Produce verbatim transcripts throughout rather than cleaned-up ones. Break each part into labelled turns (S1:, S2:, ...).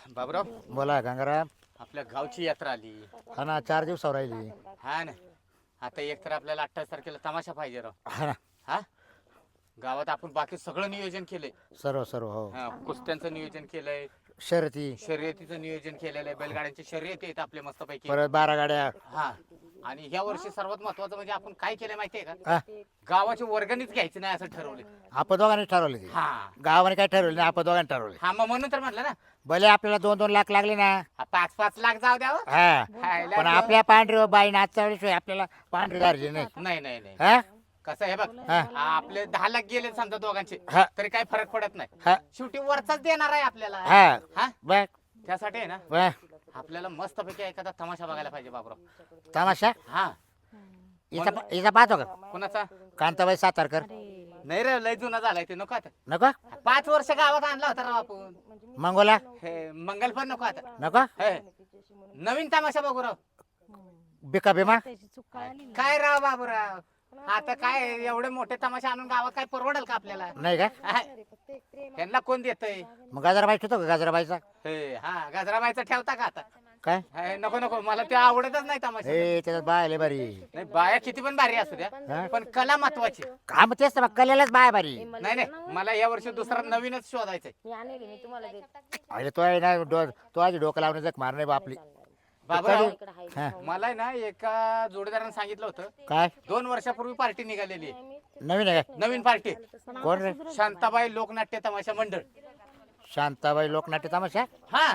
S1: बाबराव,
S2: बोला गंगाराम.
S1: आपल्या गावची यात्रा आली.
S2: हा ना, चार दिवसावर राहिली.
S1: हा ना, आता एक तर आपल्याला अठ्ठावीस तारखेला तमाशा पाहिजे राव.
S2: हा ना,
S1: हा, गावात आपण बाकी सगळं नियोजन केलंय.
S2: सर्व सर्व हो.
S1: हा, कुस्त्यांचं नियोजन केलंय,
S2: शर्यती,
S1: शर्यतीचं नियोजन केलेलं आहे, बैलगाड्यांची शर्यती आहेत आपल्या मस्तपैकी.
S2: परत बारा गाड्या.
S1: हा, आणि ह्या वर्षी सर्वात महत्वाचं म्हणजे आपण काय केलं माहितीये का,
S2: हा,
S1: गावाची वर्गणीच घ्यायची नाही असं ठरवलं.
S2: आपण दोघांनी ठरवले ते.
S1: हा
S2: गावाने काय ठरवलं नाही, आपण दोघांनी ठरवले.
S1: हा, मग म्हणून तर म्हटलं ना,
S2: भले आपल्याला दोन दोन लाख लागले ना.
S1: हा, पाच पाच लाख जाऊ द्यावं.
S2: हा,
S1: खायला
S2: पण
S1: द्या.
S2: आपल्या पांढरी बाई नाचच्या वेळेस आपल्याला पांढरी गारजी नाही.
S1: नाही नाही नाही
S2: हा
S1: कसं आहे बघ,
S2: हा.
S1: आपले दहा लाख गेले समजा दोघांचे,
S2: हा.
S1: तरी काही फरक पडत नाही.
S2: हा
S1: शेवटी वरचाच देणार आहे आपल्याला.
S2: हा
S1: हा,
S2: बघ
S1: त्यासाठी आहे ना,
S2: बघ
S1: आपल्याला मस्तपैकी एखादा तमाशा बघायला पाहिजे बाबराव.
S2: तमाशा
S1: हा,
S2: इथं इथं पाहतो का
S1: कुणाचा?
S2: कांताबाई सातारकर.
S1: नाही रे, लय जुना झालाय ते, नको आता.
S2: नको
S1: पाच वर्ष गावात आणला होता राव आपण.
S2: मंगोला
S1: हे मंगल पण नको आता.
S2: नको
S1: हे, नवीन तमाशा बघू राव.
S2: बिका बिमा.
S1: काय राव बाबूराव, आता काय एवढे मोठे तमाशा आणून गावात काय परवडेल का आपल्याला?
S2: नाही का
S1: यांना कोण देतय?
S2: मग गाजराबाई ठेवतो का गाजराबाईचा?
S1: हे, हा, गजराबाईचा ठेवता का आता?
S2: काय
S1: हे, नको नको, मला ते आवडतच नाही तमाशा.
S2: ए त्याच्यात बाय लय बारी.
S1: नाही, बाया किती पण भारी असू द्या,
S2: हा?
S1: पण कला महत्वाची.
S2: का मग तेच तर मग कलेलाच बाय बारी.
S1: नाही नाही, मला या वर्षी दुसरा नवीनच शोधायचंय.
S2: अरे तो आहे ना डो तो आधी डोकं लावून जग मार नाही बापली.
S1: बाबूराव,
S2: हा
S1: मला आहे ना एका जोडीदाराने सांगितलं होतं,
S2: काय
S1: दोन वर्षापूर्वी पार्टी निघालेली आहे.
S2: नवीन आहे काय?
S1: नवीन पार्टी,
S2: कोण रे?
S1: शांताबाई लोकनाट्य तमाशा मंडळ.
S2: शांताबाई लोकनाट्य तमाशा.
S1: हा,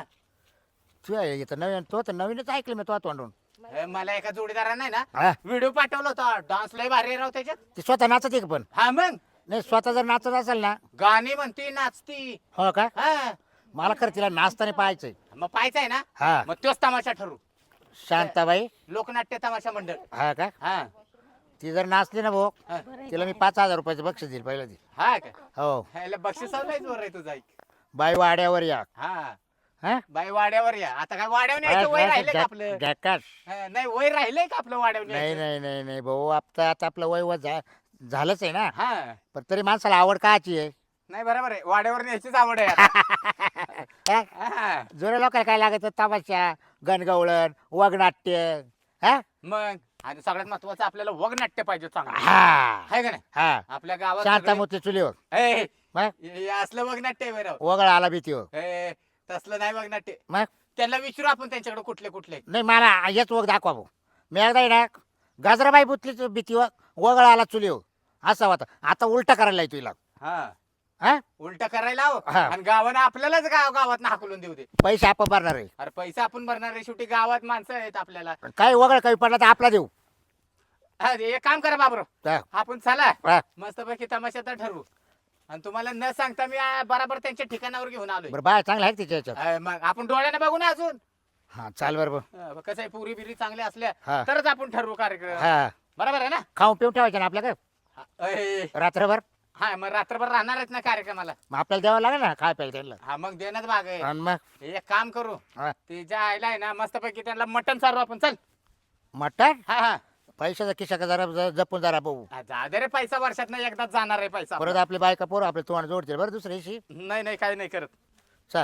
S2: तू आहे इथं नवीन, तो तर नवीनच ऐकलं मी तो तोंडून.
S1: हे, मला एका जोडीदाराने आहे ना
S2: हा
S1: व्हिडिओ पाठवला होता, डान्स लय भारी आहे राव त्याच्यात.
S2: ती स्वतः नाचते का पण?
S1: हा, मग
S2: नाही स्वतः जर नाचत असेल ना.
S1: गाणी म्हणती, नाचती.
S2: हो का?
S1: हा,
S2: मला खरं तिला नाचताना पाहायचंय.
S1: मग पाहायचं आहे ना,
S2: हा
S1: मग तोच तमाशा ठरू.
S2: शांताबाई.
S1: लोकनाट्य तमाशा मंडळ.
S2: हा का?
S1: हा
S2: ती जर नाचली ना भाऊ,
S1: हा.
S2: तिला मी पाच हजार रुपयाचं बक्षीस देईल पहिलं ती.
S1: हा का?
S2: हो.
S1: ह्याला बक्षिसावलाच वर आहे तुझा.
S2: बाई वाड्यावर या.
S1: हा,
S2: हा
S1: बाई वाड्यावर या. आता काय वाड्यावर न्यायचं वय राहिलंय का आपलं?
S2: जॅकाश.
S1: हा, नाही, वय राहिलंय का आपलं वाड्यावर
S2: नाही
S1: न्यायचं?
S2: नाही नाही नाही भाऊ, आता आता आपलं वय व झा- झालंच आहे ना.
S1: हा,
S2: पण तरी माणसाला आवड काची आहे.
S1: नाही, बरोबर आहे, वाड्यावर न्यायचीच आवड आहे आता.
S2: हा?
S1: हा,
S2: जुन्या लोकांना काय लागत तमाशा, गणगवळण, वगनाट्य. हा
S1: मग आणि सगळ्यात महत्वाचं आपल्याला वगनाट्य पाहिजे चांगलं.
S2: हा
S1: आहे का नाही?
S2: हा
S1: आपल्या गावात सगळे-
S2: शांतामूर्ती चुलीवर.
S1: ए,
S2: मग
S1: हे असलं वगनाट्य आहे बरं.
S2: वगळ आला भीतीवर.
S1: ए, तसलं नाही वगनाट्य.
S2: मग
S1: त्यांना विचारू आपण त्यांच्याकडे कुठले कुठले.
S2: नाही मला हेच वग दाखवा भाऊ. मी एकदा आहे ना गाजराबाई बुतलीच भीतीवर, वगळ आला चुलीवर असा होता. आता उलटा करायला आहे तुला.
S1: हा,
S2: हा
S1: उलट करायला हवं.
S2: हा.
S1: आणि गावानं आपल्यालाच गाव गावात हाकलून देऊ दे.
S2: पैसे आपण भरणार आहे.
S1: अरे पैसा आपण भरणार आहे, शेवटी गावात माणसं आहेत आपल्याला.
S2: काही वगळ काही पडला तर आपला देऊ.
S1: हा, एक काम करा बाबरो,
S2: हा.
S1: आपण चला
S2: हा.
S1: मस्तपैकी तमाशा तर ठरवू. आणि तुम्हाला न सांगता मी आ, बराबर त्यांच्या ठिकाणावर घेऊन आलोय.
S2: बरं बाय चांगला आहे का तिच्या याच्यात?
S1: अ, मग आपण डोळ्याने बघू ना अजून.
S2: हा चाल बरोबर.
S1: अ, कसं आहे, पुरी बिरी चांगल्या असल्या
S2: हा.
S1: तरच आपण ठरवू कार्यक्रम.
S2: हा
S1: बरोबर आहे ना?
S2: खाऊन पिऊन ठेवायचं ना आपल्याकडे
S1: हा, अय,
S2: रात्रभर.
S1: हा, मग रात्रभर राहणार आहेत ना कार्यक्रमाला.
S2: मग आपल्याला द्यावं लागेल ना काय प्यायला त्यांना.
S1: हा, मग देण्यात भाग आहे.
S2: आणि मग
S1: एक काम करू,
S2: हा.
S1: ते ज्या आयला आहे ना मस्तपैकी त्यांना मटण चालू आपण. चल.
S2: मटण
S1: हा हा
S2: पैशाचा खिशा का जरा ज- जपून जरा भाऊ.
S1: हा, जा दे रे, पैसा वर्षात ना एकदाच जाणार आहे पैसा.
S2: परत आपली बायका पोरं आपले तोंड जोडतील बरं दुसऱ्या दिवशी.
S1: नाही नाही, काही नाही करत.
S2: चल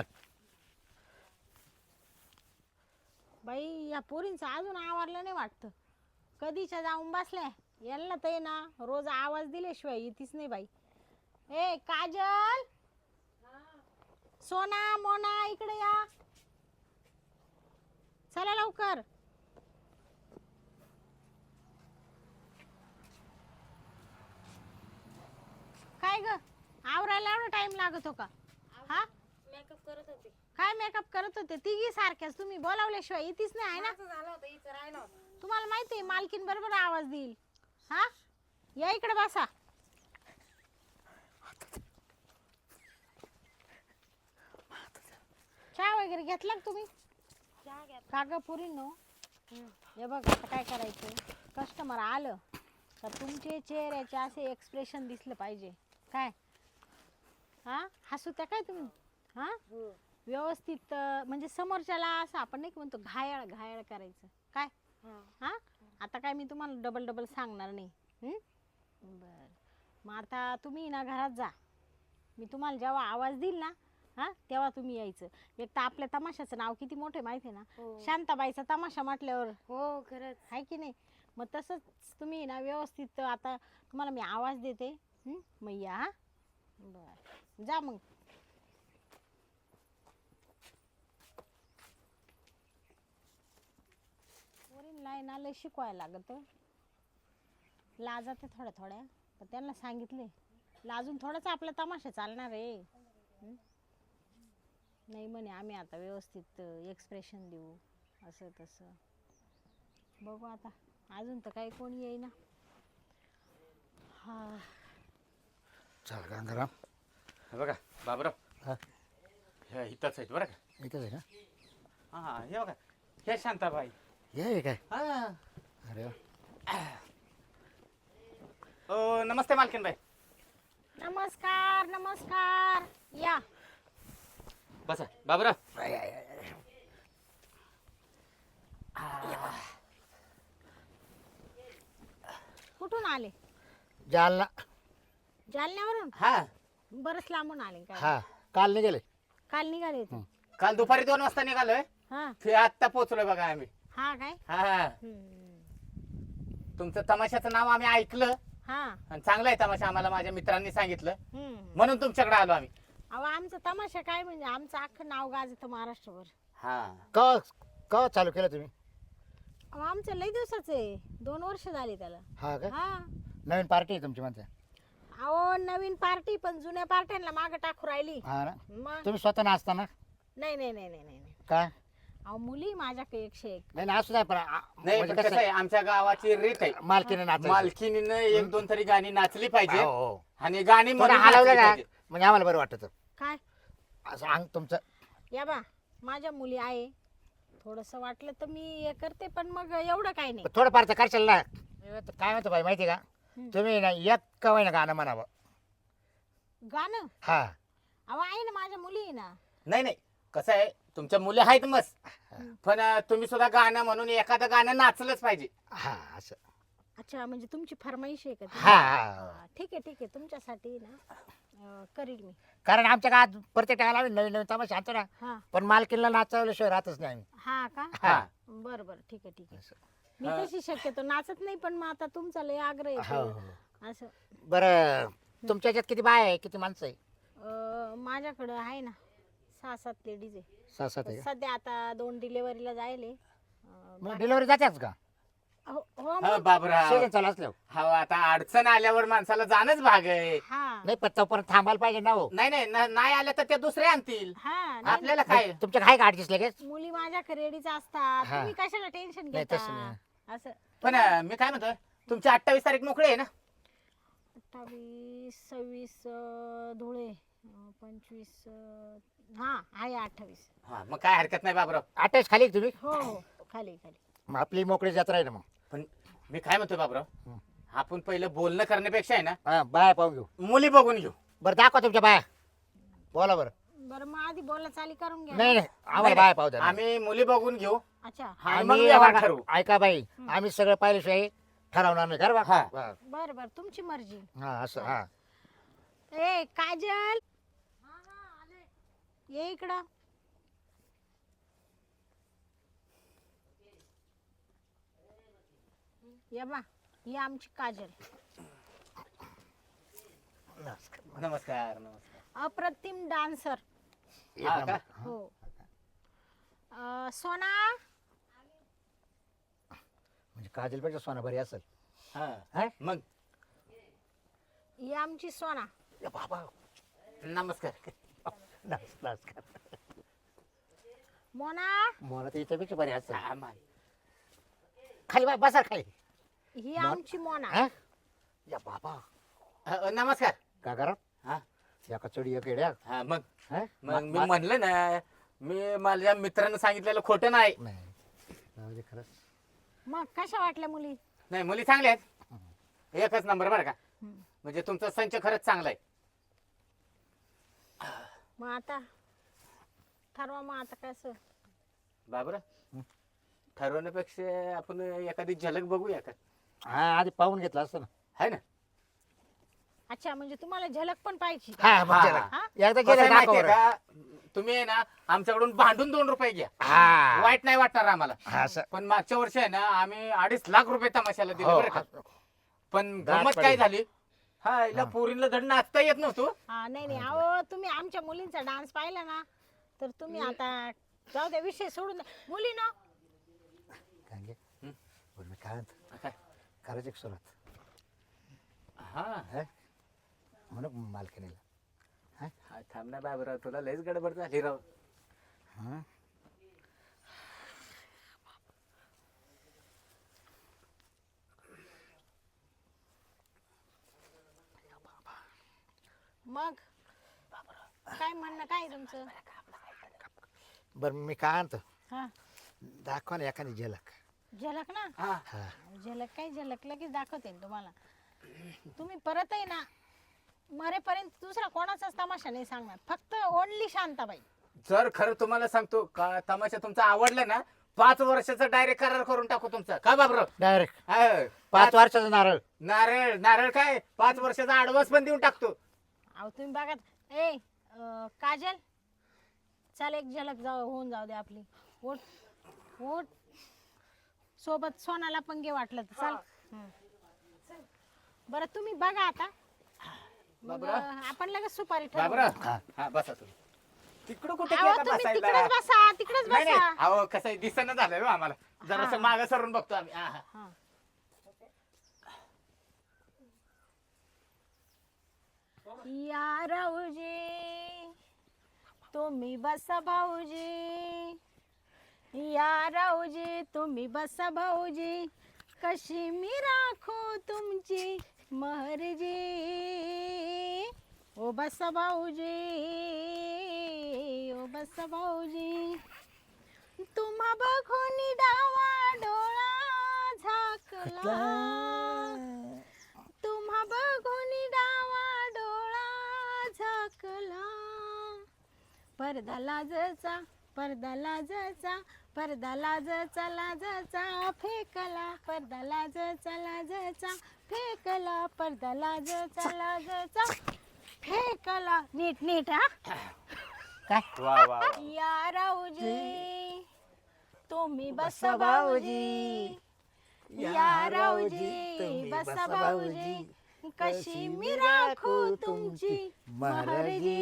S3: बाई या पोरींचं अजून आवरलं नाही वाटतं. कधीच्या जाऊन बसल्या यांना ते ना रोज आवाज दिल्याशिवाय येतीच नाही बाई. ए काजल, सोना, मोना, इकडे या, चला लवकर. काय ग, आवरायला एवढा टाइम लागत हो का? हा,
S4: मेकअप करत होते.
S3: काय मेकअप करत होते? तिघी सारख्याच, तुम्ही बोलावल्याशिवाय येतीच नाही आहे ना.
S4: माझं झालं होतं, हिचं राहिलं होतं.
S3: तुम्हाला माहिती आहे मालकीन बरोबर आवाज देईल. हा, या इकडे बसा. चहा वगैरे घेतला का तुम्ही?
S4: चहा घ्या.
S3: का ग पुरीनो, हे बघ आता काय करायचं, कस्टमर आलं तर तुमचे चेहऱ्याचे असे एक्सप्रेशन दिसलं पाहिजे. काय हा, हसू त्या काय तुम्ही? हा, व्यवस्थित अं, म्हणजे समोरच्याला असं आपण नाही का म्हणतो घायाळ घायाळ करायचं. काय हा, आता काय मी तुम्हाला डबल डबल सांगणार नाही. हं? बरं, मग आता तुम्ही ना घरात जा. मी तुम्हाला जेव्हा आवाज देईल ना हा तेव्हा तुम्ही यायचं. एक तर आपल्या तमाशाचं नाव किती मोठे माहिती आहे ना,
S4: हो
S3: शांताबाईचा तमाशा म्हटल्यावर
S4: हो खरंच.
S3: आहे की नाही. मग तसंच तुम्ही ना व्यवस्थित आता तुम्हाला मी आवाज देते. हं? मग या हा. बरं जा मग. वरील लाईन आलं शिकवायला लागत. लाजाते थोड्या थोड्या, पण त्यांना सांगितले लाजून थोडाच आपला तमाशा चालणार आहे. हं? नाही म्हणे आम्ही आता व्यवस्थित एक्सप्रेशन देऊ असं तसं. बघू आता, अजून तर काही कोणी येईना. हा
S2: चल गंगाराम.
S1: हे बघा बाबूराव,
S2: हा
S1: हे इथंच आहेत बरं का.
S2: इथंच आहे का?
S1: हा हे बघा, हे शांताबाई.
S2: ये हे काय?
S1: हा.
S2: अरे वा.
S1: ओ नमस्ते मालकीनबाई.
S3: नमस्कार नमस्कार या.
S1: बसा बाबूराव.
S2: आय, आय, आय, आय.
S3: कुठून आले?
S2: जालना.
S3: जालन्यावरून?
S1: हा
S3: बरंच लांबून आले काय?
S2: हा काल निघाले.
S3: काल निघाले होते.
S1: काल दुपारी दोन वाजता निघालोय.
S3: हा
S1: ते आत्ता पोहोचलोय बघा आम्ही.
S3: हा काय?
S1: हा
S3: हम्म.
S1: तुमचं तमाशाचं नाव आम्ही ऐकलं
S3: हा
S1: आणि चांगला आहे तमाशा, आम्हाला माझ्या मित्रांनी सांगितलं
S3: हम्म.
S1: म्हणून तुमच्याकडे आलो आम्ही.
S3: अहो आमचा तमाशा काय म्हणजे आमचं अख्खं नाव गाजतं महाराष्ट्रभर.
S1: हा
S2: का का चालू केलं तुम्ही?
S3: अहो आमचं लई दिवसाचं आहे, दोन वर्ष झाली त्याला.
S2: हा का?
S3: हा
S2: नवीन पार्टी आहे तुमची म्हणते.
S3: अहो नवीन पार्टी पण जुन्या पार्ट्यांना मागं टाकू राहिली.
S2: हा ना.
S3: मग
S2: तुम्ही स्वतः नाचता ना?
S3: नाही नाही नाही नाही नाही नाही.
S2: काय?
S3: अहो मुली माझ्याकडे एकशे एक.
S2: नाही नाही, असू द्या पण आ-
S1: नाही
S2: म्हणजे
S1: पण कसं
S2: कसं
S1: आहे, आमच्या गावाची रीत आहे,
S2: मालकीने नाचायचं.
S1: मालकीनीनं एक दोन तरी गाणी नाचली पाहिजे
S2: हो, हो.
S1: आणि गाणी
S2: थोडं
S1: म्हणून
S2: हलवलं
S1: नाचली
S2: ना
S1: पाहिजे.
S2: म्हणजे आम्हाला बरं वाटतं.
S3: काय
S2: असं अंग तुमचं.
S3: या बा माझ्या मुली आहे, थोडस वाटलं तर मी हे करते, पण मग एवढं काही नाही.
S2: थोडंफार तर करशाल ना. काय म्हणतो बाई माहिती का,
S3: हम्म.
S2: तुम्ही ना एक कवाय ना गाणं म्हणावं.
S3: गाणं
S2: हा
S3: अहो आहे ना, माझ्या मुली आहे ना.
S1: नाही नाही कसं आहे, तुमच्या मुली आहेत मस्त, पण अं, तुम्ही सुद्धा गाणं म्हणून एखादं गाणं नाचलंच पाहिजे.
S2: हा असं.
S3: अच्छा म्हणजे तुमची फरमाईश आहे का ती?
S2: हा हा.
S3: हा, ठीक आहे ठीक आहे, तुमच्यासाठी ना अं, करील मी.
S2: कारण आमच्या गावात प्रत्येक टाळाला आम्ही नवीन नवीन तमाशा आणतो ना,
S3: हा
S2: पण मालकीनला नाचवल्याशिवाय राहतच नाही आम्ही.
S3: हा का?
S1: हा
S3: बरं बरं ठीक आहे ठीक आहे.
S2: असं.
S3: मी तशी शक्यतो नाचत नाही, पण मग आता तुमचा लय आग्रह
S2: हो,
S3: आहे
S2: हो.
S3: असं.
S2: बरं तुमच्या ह्याच्यात किती बाय आहे, किती माणसं आहे?
S3: अं, माझ्याकडं आहे ना सहा सात लेडीज आहे.
S2: सहा सात आहे का?
S3: सध्या आता दोन डिलेवरीला जायले. अं,
S2: मग डिलिव्हरी जातेच का?
S3: हो हो
S1: हा,
S3: मग.
S1: बाबूराव.
S2: सीजन चालू असल्यावर.
S1: हा आता अडचण आल्यावर माणसाला जाणंच भाग आहे.
S3: हा
S2: नाही पण तोपर्यंत थांबायला पाहिजे ना हो.
S1: नाही नाही न- नाही आलं तर ते दुसरे आणतील.
S3: हा नाही,
S1: आपल्याला काय
S2: तुमच्या काय गाडीच लगेच?
S3: मुली माझ्याकडे रेडीच असतात,
S2: हा.
S3: तुम्ही कशाला टेन्शन
S2: नाही,
S3: घेता
S2: तसं नाही.
S3: असं.
S1: पण अं, मी काय म्हणतोय, तुमची अठ्ठावीस तारीख मोकळी आहे ना?
S3: अठ्ठावीस सव्वीस अं, धुळे अं, पंचवीस अं, हा आहे अठ्ठावीस.
S1: हा मग काय हरकत नाही बाबूराव.
S2: अटॅच खाली का तुम्ही?
S3: हो हो खाली खाली.
S2: मग आपली मोकळी जत्रा आहे ना मग.
S1: पण मी काय म्हणतोय बाबूराव,
S2: हं.
S1: आपण पहिलं बोलणं करण्यापेक्षा आहे ना
S2: हा बाया पाहून घेऊ.
S1: मुली बघून घेऊ.
S2: बरं दाखवा तुमच्या बाया. बोला बरं.
S3: बरं मग आधी बोला चाली करून घ्या.
S2: नाही नाही आम्हाला
S1: नाही,
S2: बाया पाहू द्या.
S1: आम्ही मुली बघून घेऊ
S3: अच्छा
S1: आणि मग
S2: आम्ही
S1: व्यवहार
S2: आम्हाला-
S1: ठरवू.
S2: ऐका बाई, आम्ही सगळं पाहिल्याशिवाय ठरवणार नाही. खरं
S1: हा.
S2: बा?
S3: बरं बरं तुमची मर्जी.
S2: हा असं हा.
S3: ए काजल ये इकडं. ये बा ही आमची काजल,
S2: नमस्कार.
S1: नमस्कार नमस्कार.
S3: अप्रतिम डान्सर.
S2: एक
S1: हा
S2: नंबर.
S1: का?
S3: हो अं, सोना
S2: म्हणजे काजलपेक्षा सोना बरी असेल.
S1: हा
S2: हा?
S1: मग
S3: ही आमची सोना.
S2: ए बाबा
S1: नमस्कार.
S2: नमस्कार.
S3: मोना
S2: मला तर याच्यापेक्षा बरी असेल.
S1: हा, मा-
S2: खाली बाय बसा खाली.
S3: ही आमची मोना.
S2: हा? या बाबा
S1: अ, नमस्कार.
S2: का करा
S1: हा
S2: एका चढी एक येड्या.
S1: हा मग
S2: हा?
S1: मग मी
S2: मा-
S1: म्हणलं ना, मी माझ्या मित्रानं सांगितलेलं खोटं नाही.
S2: नाही जाऊ दे खरंच.
S3: मग कशा वाटल्या मुली?
S1: नाही मुली चांगल्या आहेत, एकच नंबर बरं का.
S3: हम्म.
S1: म्हणजे तुमचा संच खरंच चांगला आहे.
S3: मग आता ठरवा मग आता कसं.
S1: बाबरा ठरवण्यापेक्षा आपण एखादी झलक बघूया का?
S2: हा आधी पाहून घेतलं असतं ना.
S1: है ना?
S3: अच्छा म्हणजे तुम्हाला झलक पण पाहिजे.
S2: हा मग
S1: हा.
S2: चला.
S3: हा?
S2: एकदा
S1: कसं आहे
S2: गेलं
S1: माहितीये
S2: दाखव बरं.
S1: का, तुम्ही आहे ना आमच्याकडून भांडून दोन रुपये घ्या,
S2: हा
S1: वाईट नाही वाटणार आम्हाला.
S2: हा, असं.
S1: पण मागच्या वर्षी आहे ना आम्ही अडीच लाख रुपये तमाशाला दिले
S2: हो,
S1: बरं का. पण
S2: गाठ
S1: गमत काय
S2: पडली.
S1: झाली, हा हिला पोरीला धड नाचता येत नव्हतं.
S3: हा नाही नाही अहो तुम्ही आमच्या मुलींचा डान्स पाहिला ना तर तुम्ही आता जाऊ द्या विषय सोडून द्या. मुलीनो
S2: काय घे?
S1: हं?
S2: बरं, मी काय म्हणतो,
S1: काय?
S2: करायची का सुरुवात
S1: हा
S2: हा? म्हणून मालकीनीला
S1: हा, थांब ना बाबराव, तुला लयच गडबड झाली राव.
S2: हा
S3: मग काय म्हणणं काय तुमचं?
S2: बरं मी काय आणतो,
S3: हा
S2: दाखवा ना एखादी झलक.
S3: झलक ना,
S1: हा
S2: हा
S3: झलक काय झलक लगेच दाखवते ना तुम्हाला. तुम्ही परतही ना मरेपर्यंत दुसरा कोणाचाच तमाशा नाही सांगणार, फक्त ओनली शांताबाई.
S1: जर खरं तुम्हाला सांगतो का तमाशा तुमचा आवडला ना, पाच वर्षाचा डायरेक्ट करार करून टाकू तुमचा, का बाबराव?
S2: डायरेक्ट
S1: हा,
S2: पाच वर्षाचा नारळ.
S1: नारळ नारळ काय पाच वर्षाचा ऍडव्हान्स पण देऊन टाकतो.
S3: अहो तुम्ही बघा ए अं, काजल चल एक झलक जाऊ होऊन जाऊ दे आपली. ओट ओट सोबत सोनाला पण घे वाटलं तर चल. हं. बरं तुम्ही बघा आता मग
S1: बाबरा.
S3: अं, आपण लगेच सुपारी ठरवू.
S1: बाबराव
S2: हा.
S1: हा बसा तुम्ही. तिकडं कुठे
S3: अहो
S1: गेला
S3: तुम्ही
S1: बसायला?
S3: तिकडेच बसा तिकडेच
S1: नाही नाही,
S3: बसा.
S1: अहो कसं आहे दिसणं झालंय हो आम्हाला, जरासं
S3: हा.
S1: मागं सरून बघतो आम्ही. हा, हा.
S3: हा. या राऊजी तुम्ही बसा भाऊजी, या राऊजी तुम्ही बसा भाऊजी, कशी मी राखो तुमची महरजी. ओ बसा भाऊजी, ओ बसा भाऊजी, तुम्हा बघून डावा डोळा झाकला, तुम्हा बघून डावा डोळा झाकला. पडदा लाजचा पडदा लाजचा पडदा लाजचा लाजचा फेकला, पडदा लाजचा लाजचा फेकला, पडदा लाजचा लाजचा फेकला. नीट नीट हा.
S2: काय
S1: वा वा वा.
S3: या राऊजी तुम्ही बसा भाऊजी, या राऊजी बसा भाऊजी, कशी मी राखू तुमची महरजी.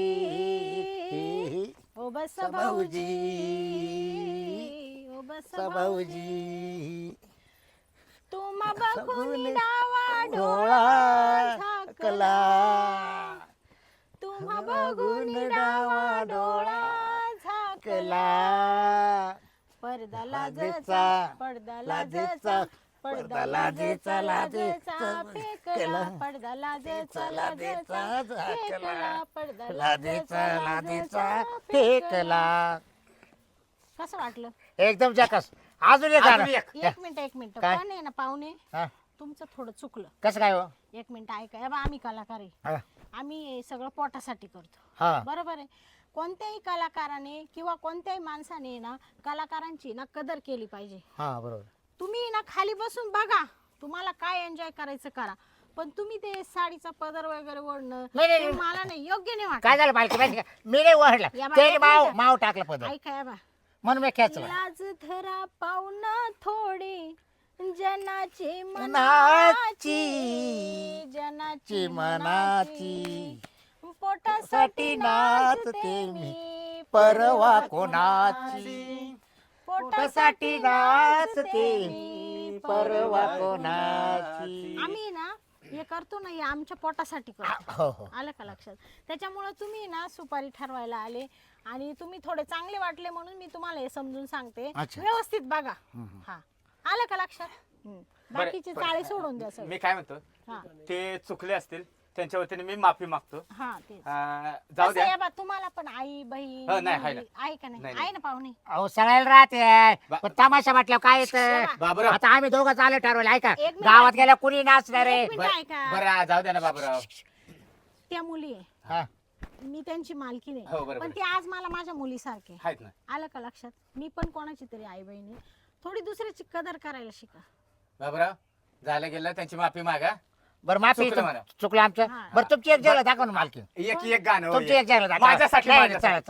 S3: ओ बसा भाऊजी, ओ बसा भाऊजी,
S2: भाऊजी
S3: तुम्हा बघून डावा
S2: डोळा
S3: डोळा झाकला,
S2: कला
S3: तुम्हा बघून डावा डोळा झाकला.
S2: कला
S3: पडदा
S2: लाजेचा,
S3: लाजचा पडदा
S2: लाजेचा,
S3: लाजचा पडदा लाजेचा लाजेचा फेकला, पडदा लाजेचा लाजेचा फेकला, पडदा
S2: लाजेचा लाजेचा फेकला.
S3: कसं वाटलं?
S2: एकदम जकास. अजून एक
S1: अजून
S2: गाणं.
S1: एक.
S3: एक मिनिट एक मिनिट
S2: काय?
S3: पण आहे ना पाहुणे
S2: हा,
S3: तुमचं थोडं चुकलं.
S2: कसं काय हो?
S3: एक मिनिट ऐका हे बघा, आम्ही कलाकार आहे,
S2: हा,
S3: आम्ही हे सगळं पोटासाठी करतो
S2: हा
S3: बरोबर आहे. कोणत्याही कलाकाराने किंवा कोणत्याही माणसाने ना कलाकारांची ना कदर केली पाहिजे.
S2: हा बरोबर.
S3: तुम्ही ना खाली बसून बघा, तुम्हाला काय एन्जॉय करायचं करा, पण तुम्ही ते साडीचा पदर वगैरे ओढणं
S2: नाही, नाही,
S3: ते
S2: नाही.
S3: मला नाही योग्य नाही
S2: काय
S3: वाटत.
S2: झालं माहिती माहिती का, मी नाही ओढला,
S3: या बा,
S2: ते
S3: एक
S2: माव
S3: मिनिटं.
S2: माव टाकलं पद
S3: ऐका या बा,
S2: म्हणून मी खेचलं.
S3: लाज धरा पाहुणा थोडी जनाची
S2: मनाची,
S3: मनाची, जनाची
S2: ची मनाची,
S3: पोटासाठी नाचते मी
S2: परवा कोणाची,
S3: पोटासाठी नाचते मी
S2: परवा कोणाची.
S3: आम्ही ना हे करतो ना हे आमच्या पोटासाठी करतो.
S2: हो हो
S3: आलं का लक्षात? त्याच्यामुळे तुम्ही ना सुपारी ठरवायला आले आणि तुम्ही थोडे चांगले वाटले म्हणून मी तुम्हाला हे समजून सांगते.
S2: अच्छा.
S3: व्यवस्थित बघा.
S2: हम्म.
S3: हा आलं का लक्षात? हम्म.
S1: बरं,
S3: बाकीचे
S1: बरं.
S3: चाळे सोडून द्या सगळे.
S1: मी काय म्हणतो,
S3: हा
S1: ते चुकले असतील त्यांच्या वतीने मी माफी मागतो.
S3: हा तेच.
S1: अं, जाऊ
S3: कसं
S1: द्या.
S3: आहे बा, तुम्हाला पण आई बहीण
S1: हो, नाही, आहे
S3: मुली, आहे का नाही?
S1: नाही,
S3: आहे ना पाहुणे?
S2: अहो सगळ्याला राहते,
S1: बा-
S2: पण तमाशा म्हटल्यावर काय
S3: बा-
S2: येतं.
S1: बाबराव
S2: आता आम्ही दोघं चालू ठरवलं आहे का,
S3: एक मिनिट.
S2: गावात गेल्या कुणी नाचणार आहे.
S3: एक मिनिट
S1: बर-
S3: ऐका.
S1: बरं जाऊ द्या ना बाबराव.
S3: त्या मुली आहे,
S2: हा,
S3: मी त्यांची मालकी
S1: हो,
S3: नाही,
S1: बरोबर
S3: पण
S1: आहे.
S3: ते आज मला माझ्या मुलीसारखे
S1: आहेत ना
S3: आलं का लक्षात? मी पण कोणाची तरी आई बहिणी, थोडी दुसऱ्याची कदर करायला शिका.
S1: बाबराव. झालं गेलं त्यांची माफी मागा.
S2: बरं माफी
S1: चुकलं मला.
S2: चुकलं आमचं.
S3: हा.
S2: बरं तुमची एक जरा दाखव ना मालकी,
S1: एक एक गाणं हो,
S2: तुमची
S1: एक.
S2: एक जरा दाखव.
S1: माझ्यासाठी
S2: नाही,
S1: माझ्यासाठी.
S2: चला, चला.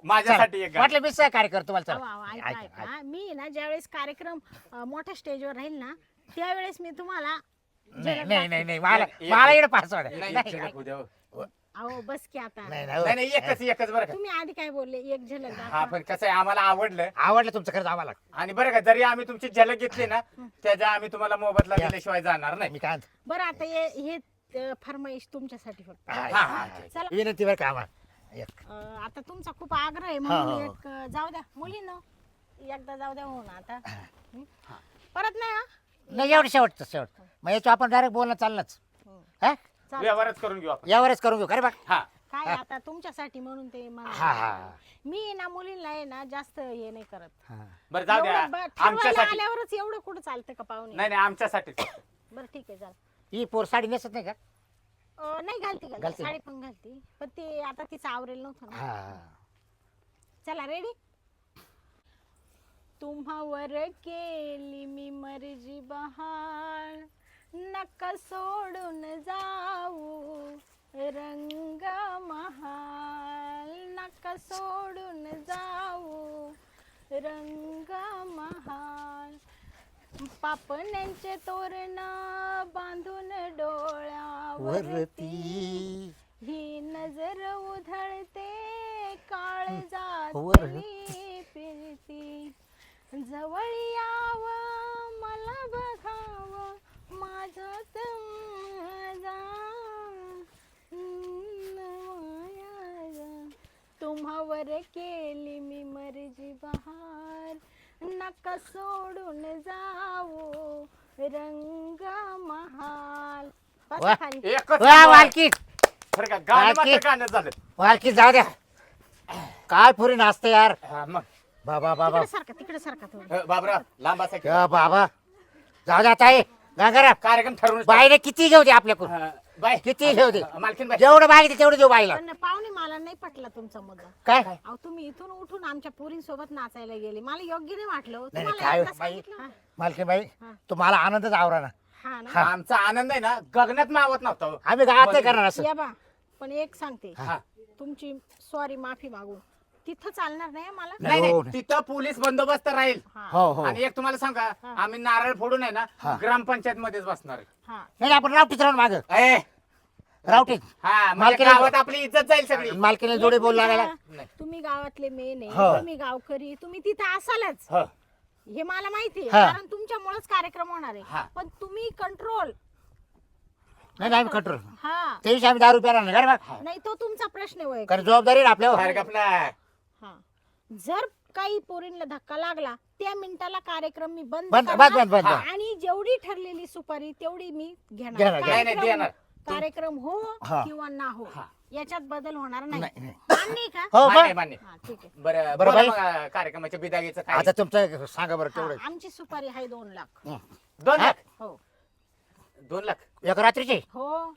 S1: माझ्यासाठी एक गाणं.
S2: म्हटलं मी सहकार्य करतो तुम्हाला
S3: अहो, अहो,
S2: चला
S3: ऐका
S2: ऐका,
S3: ऐका मी ना ज्यावेळेस कार्यक्रम अं, मोठ्या स्टेजवर राहील ना त्यावेळेस मी तुम्हाला
S2: नाही
S3: झलक
S2: नाही नाही नाही मला
S1: एक-
S2: मला इकडे पासवर्ड
S1: नाही,
S2: नाही
S1: झलक होऊ द्या हो.
S3: दाखवा. अहो बस की आता
S2: नाही नाही,
S1: नाही नाही एकच एकच बरं का
S3: तुम्ही आधी काय बोलले एक झलक
S1: हा
S3: दाखवा.
S1: पण कसं आहे आम्हाला आवडलं
S2: आवडलं तुमचं खरंच आम्हाला
S1: आणि बरं का जरी आम्ही तुमची झलक घेतली ना त्याच्या आम्ही तुम्हाला मोबदला
S2: या.
S1: दिल्याशिवाय जाणार नाही
S2: मी काय म्हणतो,
S3: बरं आता हे हे अं, फरमाईश तुमच्यासाठी फक्त
S2: हा,
S1: हा, हा.
S3: चला
S2: विनंती बरं का आम्हाला एक
S3: अं, आता तुमचा खूप आग्रह आहे
S2: हो,
S3: म्हणून
S2: हो.
S3: एक अं, जाऊ द्या मुलींनो एकदा जाऊ द्या हो ना आता हं? परत नाही हा
S2: नाही एवढं शेवटचं शेवट मग याचं आपण डायरेक्ट बोलणं चाललंच हा
S3: चालेल.
S1: व्यवहारच करून घेऊ आपण
S2: यावरच करून घेऊ खरे बघ
S1: हा
S3: काय आता तुमच्यासाठी म्हणून ते मला-
S2: हा हा
S3: मी ना मुलींना आहे ना जास्त हे नाही करत
S2: हा.
S1: बरं जाऊ द्या
S3: एवढं ब- ठरवायला
S1: आमच्यासाठी
S3: आल्यावरच एवढं कुठं चालतं का पाहुणे
S1: नाही नाही आमच्यासाठी
S3: बरं ठीक आहे चाल
S2: ही पोर साडी नेसत नाही का
S3: नाही घालती घालती
S2: घालते.
S3: साडी पण घालती पण ते आता तिचं आवरेल नव्हतं ना
S2: हा
S3: चला रेडी तुम्हावर केली मी मर्जी बहार नका सोडून जाऊ रंग महाल नका सोडून जाऊ रंग महाल पापण्यांचे तोरण बांधून डोळ्यावरती
S2: वरती
S3: ही नजर उधळते काळजात
S2: वरती.
S3: फिरती जवळ याव मला बघाव माझ्यात माझा माया. तुम्हावर केली मी मर्जी बहार नका सोडून जाऊ रंग महाल बसा
S2: वा.
S3: खाली.
S1: एकच
S2: वा वालकी
S1: बरं का गाणं मात्र
S2: बाकी-
S1: गाणं झालं
S2: वालकी जाऊ द्या काय पुरी नाचते यार
S1: हा, मग
S2: बाबा बाबा
S3: तिकडे सारखा तिकडे सारखा थोडं
S1: अ, बाबराव लांब असा
S2: या बाबा जाऊ द्या ताई गंगाराम
S1: कार्यक्रम ठरवून
S2: बाईने किती घेऊ दे आपल्याकडून
S1: हा, बाय
S2: किती घेऊ दे
S1: मालकीन बाय
S2: जेवढं मागितलं तेवढं देऊ बाईला
S3: पण पाहुणे मला नाही पटला तुमचा मुद्दा
S2: काय
S3: अहो तुम्ही इथून उठून आमच्या पोरींसोबत नाचायला गेले मला योग्य नाही वाटलं हो.
S2: नाही,
S3: तुम्हाला
S2: काय
S3: एकदा
S2: बाई?
S3: सांगितलं. हा,
S2: मालकी बाई
S3: हा.
S2: तुम्हाला आनंदच आवरा ना
S3: हा ना
S2: हा.
S1: आमचा आनंद आहे ना गगनात मावत नव्हता हो.
S2: आम्ही गावात नाही करणार असं
S3: या बा पण एक सांगते
S1: हा.
S3: तुमची सॉरी माफी मागू तिथं चालणार नाही हं मला
S1: नाही
S2: हो,
S1: नाही तिथं पोलीस बंदोबस्त राहील
S3: हा
S2: हो हो
S1: आणि एक तुम्हाला सांगा
S3: हा.
S1: आम्ही नारळ फोडून आहे ना
S2: हा.
S1: ग्रामपंचायत मध्येच बसणार आहे.
S3: हा
S2: नाही आपण रावटीच राहून माग
S1: ए,
S2: रावटीत
S1: हा म्हणजे
S2: मालकीने-
S1: गावात आपली इज्जत जाईल सगळी
S2: मालकीने जोडे बोल लागला
S1: नाही.
S3: तुम्ही गावातले मेन
S2: हो.
S3: आहे तुम्ही गावकरी तुम्ही तिथं असालच
S1: हो.
S3: हे मला माहिती आहे
S2: हा.
S3: कारण तुमच्यामुळेच कार्यक्रम होणार
S1: हा.
S3: आहे पण तुम्ही कंट्रोल
S2: नाही नाही आम्ही कंट्रोल
S3: हा
S2: ते दिवशी आम्ही दारू प्यारा नाही बघ
S3: नाही तो तुमचा प्रश्न आहे
S2: कारण जबाबदारी आहे ना आपल्यावर
S1: बाहेर आपला
S3: हा जर काही पोरींना धक्का लागला त्या मिनिटाला कार्यक्रम मी बंद
S2: बंद-
S3: करणार
S2: बंद- बंद- बंद.
S3: आणि जेवढी ठरलेली सुपारी तेवढी मी
S2: घेणार,
S3: घेणार
S2: घेणार.
S1: नाही, नाही,
S3: कार्यक्रम-
S1: देणार.
S3: कार्यक्रम हो
S2: हा.
S3: किंवा ना हो
S1: हा.
S3: याच्यात बदल होणार नाही
S2: नाही, नाही.
S3: मान्य आहे का
S2: हो
S1: मान्य
S2: बघ
S1: मान्य
S3: हा ठीक आहे
S1: बरं
S2: बरं,
S1: बोला
S2: बाई.
S1: मग, कार्यक्रमाच्या बिदागीचं काय
S2: आता तुमचं सांगा बरं तेवढं
S3: हा, आमची सुपारी आहे दोन लाख
S2: हं.
S1: दोन
S2: हा?
S1: लाख
S3: हो
S1: दोन लाख
S2: एक रात्रीची
S3: हो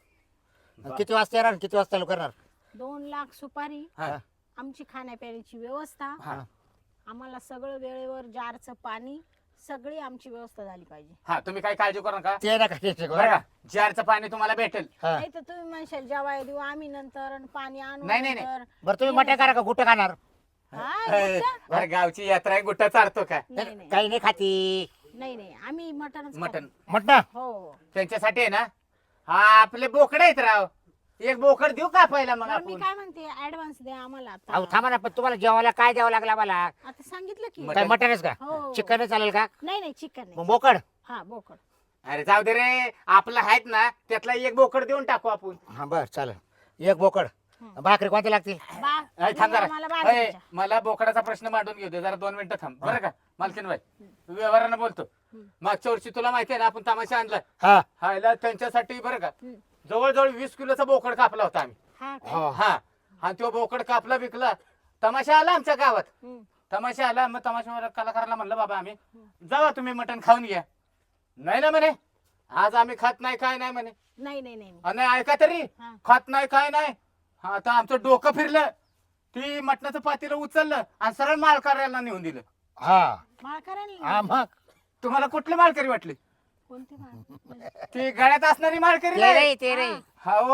S2: किती वाजता येणार किती वाजता चालू करणार
S3: दोन लाख सुपारी
S1: हा.
S3: आमची खाण्यापिण्याची व्यवस्था
S1: हा.
S3: आम्हाला सगळं वेळेवर जारचं पाणी सगळी आमची व्यवस्था झाली पाहिजे
S1: हा तुम्ही काय काळजी करू नका
S2: ते नका टेन्शन करू.
S1: बरं का जारचं पाणी तुम्हाला भेटेल
S2: हा.
S3: नाही तर तुम्ही म्हणशाल जेवाय देऊ आम्ही नंतर आणि पाणी आणू
S1: नाही, नाही, नाही.
S3: नंतर.
S2: बरं तुम्ही मटे करा का गुट खाणार
S3: हा,
S1: ए,
S3: गुट्टा?
S1: अरे गावची यात्रा आहे गुट्टा चारतो का
S3: नाही नाही
S2: काही नाही खाती
S3: नाही नाही आम्ही मटनच
S1: मटन
S2: म्हट
S3: हो
S1: त्यांच्यासाठी आहे ना हा आपले बोकडे आहेत राव एक बोकड देऊ का पहिला मग
S3: बरं, मी
S1: आपण
S3: काय म्हणते ऍडव्हान्स द्या आम्हाला
S2: अहो
S3: आता
S2: थांबा ना पण तुम्हाला जेवायला काय द्यावं लागला मला
S3: आता सांगितलं की
S1: मटण.
S2: काय मटनच का
S3: हो
S2: चिकन चालेल का
S3: नाही नाही चिकन नाही
S2: मग बोकड
S3: हा बोकड
S1: अरे जाऊ दे रे आपला आहेत ना त्यातला एक बोकड देऊन टाकू आपण
S2: हा बर चालेल एक बोकड
S3: हं.
S2: भाकरी कोणती लागतील
S3: बा
S1: अरे थांब जरा
S3: आम्हाला
S1: अय,
S3: बाजरीच्या.
S1: मला बोकडाचा प्रश्न मांडून घेऊ दे जरा दोन मिनिटं थांब बरं का मालकीन बाई व्यवहारानं बोलतो
S3: हं.
S1: मागच्या वर्षी तुला माहिती आहे ना आपण तमाशा आणला
S2: हा
S1: हायला त्यांच्यासाठी बरं का
S3: हं.
S1: जवळजवळ वीस किलोचा बोकड कापला होता आम्ही
S3: हा काय?
S2: हो
S1: हा आणि तो बोकड कापला विकला तमाशा आला आमच्या गावात
S3: हं.
S1: तमाशा आला मग तमाशा कलाकाराला म्हणलं बाबा आम्ही जावा तुम्ही मटण खाऊन घ्या नाही ना म्हणे आज आम्ही खात नाही काय नाही म्हणे
S3: नाही नाही नाही नाही.
S1: अ, नाही ऐका तरी
S3: हा.
S1: खात नाही काय नाही हा, आता आमचं डोकं फिरलं ती मटणाचं पातेलं उचललं आणि सरळ मालकार्याला नेऊन दिलं
S2: हा
S3: माळकऱ्यांना
S2: हा मग
S1: तुम्हाला कुठली मालकरी वाटली
S3: कोणते माळ?
S1: ती गळ्यात असणारी मालकरी
S2: ते
S1: नाही
S2: रे ते रे
S1: हा हो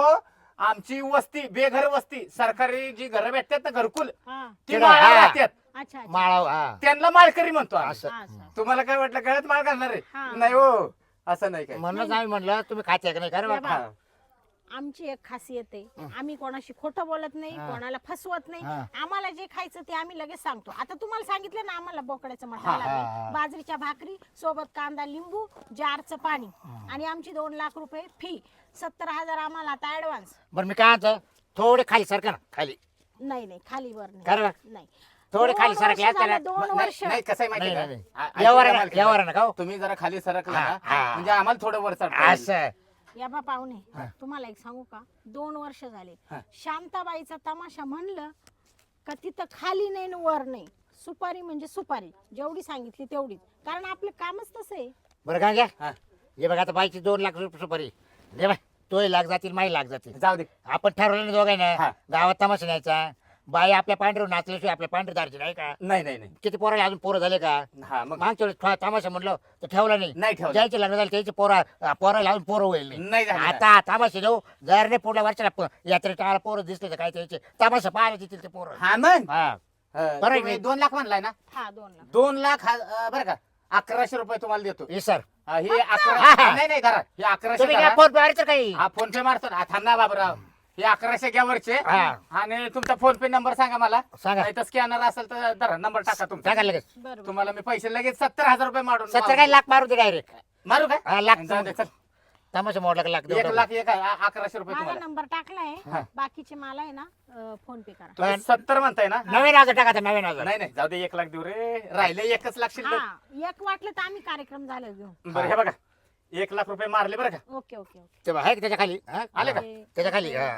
S1: आमची वस्ती बेघर वस्ती सरकारी जी घरं भेटतात ना घरकुल
S3: हा
S1: ती
S2: तिकडं,
S1: माळावर
S2: हा.
S1: राहतात
S3: अच्छा अच्छा
S2: माळाव हा
S1: त्यांना माळकरी म्हणतो आम्ही.
S2: असं
S3: हा, असं.
S1: तुम्हाला काय वाटलं गळ्यात माळ घालणार
S3: हा.
S1: आहे नाही हो असं नाही काय
S2: म्हणूनच आम्ही म्हणलं तुम्ही खाते का नाही खरं
S3: या
S2: बा?
S3: बा.
S1: हा.
S3: आमची एक खासियत आहे आम्ही कोणाशी खोटं बोलत नाही
S2: हा.
S3: कोणाला फसवत नाही
S2: हा.
S3: आम्हाला जे खायचं ते आम्ही लगेच सांगतो आता तुम्हाला सांगितलं ना आम्हाला बोकड्याचं
S1: हा,
S3: मटण
S2: हा,
S3: लागले
S2: हा.
S3: बाजरीच्या भाकरी सोबत कांदा लिंबू जारचं पाणी आणि आमची दोन लाख रुपये फी सत्तर हजार आम्हाला आता ऍडव्हान्स
S2: बरं मी काय म्हणतो थोडे खाली सरका ना खाली
S3: नाही नाही खाली वर
S2: खरं
S3: नाही
S2: बा?
S3: नाही
S2: थोडे
S3: दोन
S2: खाली
S3: वर्ष
S2: सरकले असते
S3: झाले,
S2: ना.
S3: दोन
S1: नाही
S3: वर्ष
S1: नाही, कसं आहे
S2: नाही
S1: माहिती
S2: नाही
S1: आहे
S2: नाही.
S1: का? आ- ऐका
S2: यावर
S1: त्या
S2: ना
S1: मालकीला.
S2: यावर ना का हो?
S1: तुम्ही जरा खाली सरकला
S2: हा,
S1: ना
S2: हा.
S1: म्हणजे आम्हाला थोडं वर चढता येईल.
S2: असं
S3: या बा पाहुणे तुम्हाला एक सांगू का दोन वर्ष झाले
S1: हा.
S3: शांताबाईचा तमाशा म्हणलं का तिथं खाली नाही न वर नाही सुपारी म्हणजे सुपारी जेवढी सांगितली तेवढीच कारण आपलं कामच तसं आहे
S2: बरं का घ्या
S1: हा.
S2: हे बघा आता बाईची दोन लाख रुपये सुपारी दे बाय तोही लाख जातील माही लाख जातील
S1: जाऊ दे
S2: आपण ठरवलं ना दोघांना
S1: हा.
S2: गावात तमाशा न्यायचा बाई आपल्या पांढरे नाचल्याशिवाय आपल्या पांढरे दारची नाही का
S1: नाही नाही नाही
S2: किती पोराला अजून पोरं झाले का
S1: हा मग
S2: मागच्या वेळेस थोडा तमाशा म्हणलं तर ठेवला नाही
S1: नाही ठेवलं.
S2: ज्याचे लग्न झाले त्याचे पोरा पोराला अजून पोरं होईल नाही.
S1: नाही झालं.
S2: आता तमाशा देऊ जर नाही पुढल्या वर्षाला प- यात्रेत टाळा पोरं दिसले तर काय त्याचे तमाशा पाहायला देतील ते पोरं
S1: हा मग
S2: हा
S1: अं,
S2: बरं
S1: तुम्ही
S2: आहे.
S1: दोन लाख म्हणलाय ना
S3: हा दोन लाख
S1: दोन लाख हा- अं, बरं का अकराशे रुपये तुम्हाला देतो
S2: हे सर
S1: अं, हे अकरा
S2: हा.
S1: नाही नाही धरा हे अकराशे
S2: तुम्ही
S1: धरा.
S2: काय फोन पे तर काही
S1: हा फोन पे मारतो ना थांब ना बाबराव हे अकराशे घ्या वरचे
S2: हा.
S1: आणि तुमचा फोन पे नंबर सांगा मला
S2: सांगा.
S1: नाही तर स्कॅनर असेल तर धरा नंबर टाका तुमचा
S2: सांगा लगेच
S3: बरोबर
S1: तुम्हाला मी पैसे लगेच सत्तर हजार रुपये मारून
S2: सत्तर काय लाख मारू दे डायरेक्ट
S1: मारू काय
S2: हा, लाख
S1: जाऊ दे, चल.
S2: तमाशा मोडला का लाख देऊ
S1: एक
S2: टाकू.
S1: लाख एक आहे, आ- अकराशे रुपये
S3: माझा
S1: तुम्हाला
S3: नंबर टाकलाय
S1: हा.
S3: बाकीचे मला आहे ना अं, फोन पे करा
S1: तुम्ही सत्तर म्हणताय ना
S2: नवीन हजार टाका ते नवीन हजार
S1: नाही नाही जाऊ दे एक लाख देऊ रे राहिले एकच लाख शिल्लक
S3: हा एक वाटलं तर आम्ही कार्यक्रम झाला घेऊ
S1: बरं हे बघा एक लाख रुपये मारले बरं का
S3: ओके ओके ओके
S2: ते आहे का त्याच्या खाली हा?
S1: आले का?
S3: ते-
S2: त्याच्या खाली हा.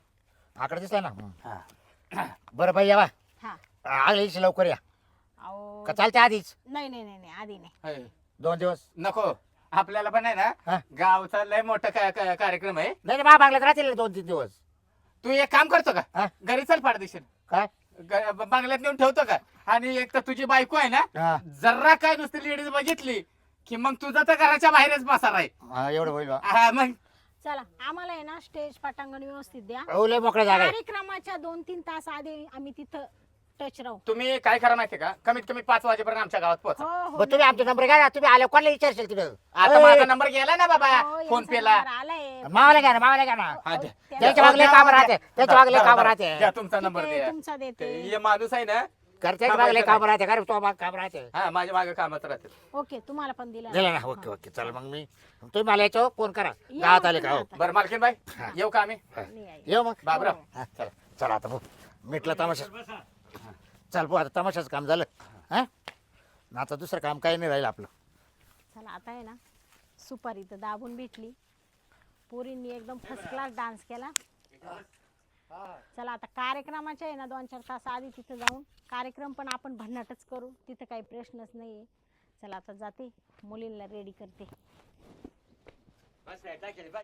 S2: आकडे दिसला ना
S1: हा.
S2: बरं बाई यावा
S3: हा
S2: आगल्या दिवशी लवकर या
S3: अहो
S2: का चालते आधीच
S3: नाही नाही नाही नाही, आधी नाही
S1: हाय.
S2: दोन दिवस
S1: नको आपल्याला पण आहे
S2: हा.
S1: ना गावचा लय मोठा का- का- कार्यक्रम आहे
S2: नाही नाही, मा बांगल्यात राहतील दोन तीन दिवस
S1: तू एक काम करतो
S2: हा?
S1: का घरी चल पाडदेशील
S2: काय
S1: ग- बंगल्यात नेऊन ठेवतो का आणि एक तर तुझी बायको आहे ना
S2: हा.
S1: जरा काय नुसती लेडीज बघितली की मग तुझा तर घराच्या बाहेरच बसार आहे
S2: हा, एवढं होईल बा.
S1: हा, मग
S3: चला आम्हाला आहे ना स्टेज पटांगण व्यवस्थित द्या
S2: हो लय मोकळा जागा आहे.
S3: कार्यक्रमाच्या दोन तीन तास आधी आम्ही तिथं टच राहू
S1: तुम्ही काय करा माहितीये का कमीत कमी पाच वाजेपर्यंत आमच्या गावात पोहोचा
S3: हो हो
S2: बरं तुम्ही आमचा नंबर घ्या ना तुम्ही आल्या कोणाला विचारशील तिथं
S1: आता माझा नंबर गेला ना बाबा
S3: हो,
S1: फोन
S3: यांचा
S1: पे ला
S3: नंबर आलाय.
S2: मावाला घ्या ना मावाला घ्या ना
S1: हा, द्या.
S3: त्या-
S2: त्याच्या मागले काम राहते त्याच्या मागले
S1: धरा,
S2: काम
S1: धरा.
S2: राहते
S1: द्या तुमचा
S3: ठीक
S1: नंबर
S3: आहे,
S1: द्या
S3: तुमचा देते
S1: ते हे माणूस आहे ना
S2: घरच्याच मागले काम राहते का रे, तो माग काम राहते
S1: हा माझ्या मागे कामात राहते
S3: ओके तुम्हाला पण दिलं
S2: दिलं ना ओके ओके चला मग मी तुम्ही मला याच्यावर फोन करा
S3: या
S2: गावात
S3: मग
S2: आले का हो
S3: तुम्ही
S1: बरं मालकीन बाई येऊ का आम्ही
S3: नाही आहे.
S2: येऊ मग
S1: बाबराव
S2: हा, चला चला आता भाऊ मिटलं तमाशा चल भाऊ आता तमाशाचं काम झालं हा आता दुसरं काम काही नाही राहिलं आपलं
S3: चला आता आहे ना सुपारी तर दाबून भेटली पोरींनी एकदम फर्स्ट क्लास डान्स केला चला आता कार्यक्रमाच्या आहे ना दोन चार तास आधी तिथं जाऊन कार्यक्रम पण आपण भन्नाटच करू तिथं काही प्रश्नच नाहीये चला आता जाते मुलींना रेडी करते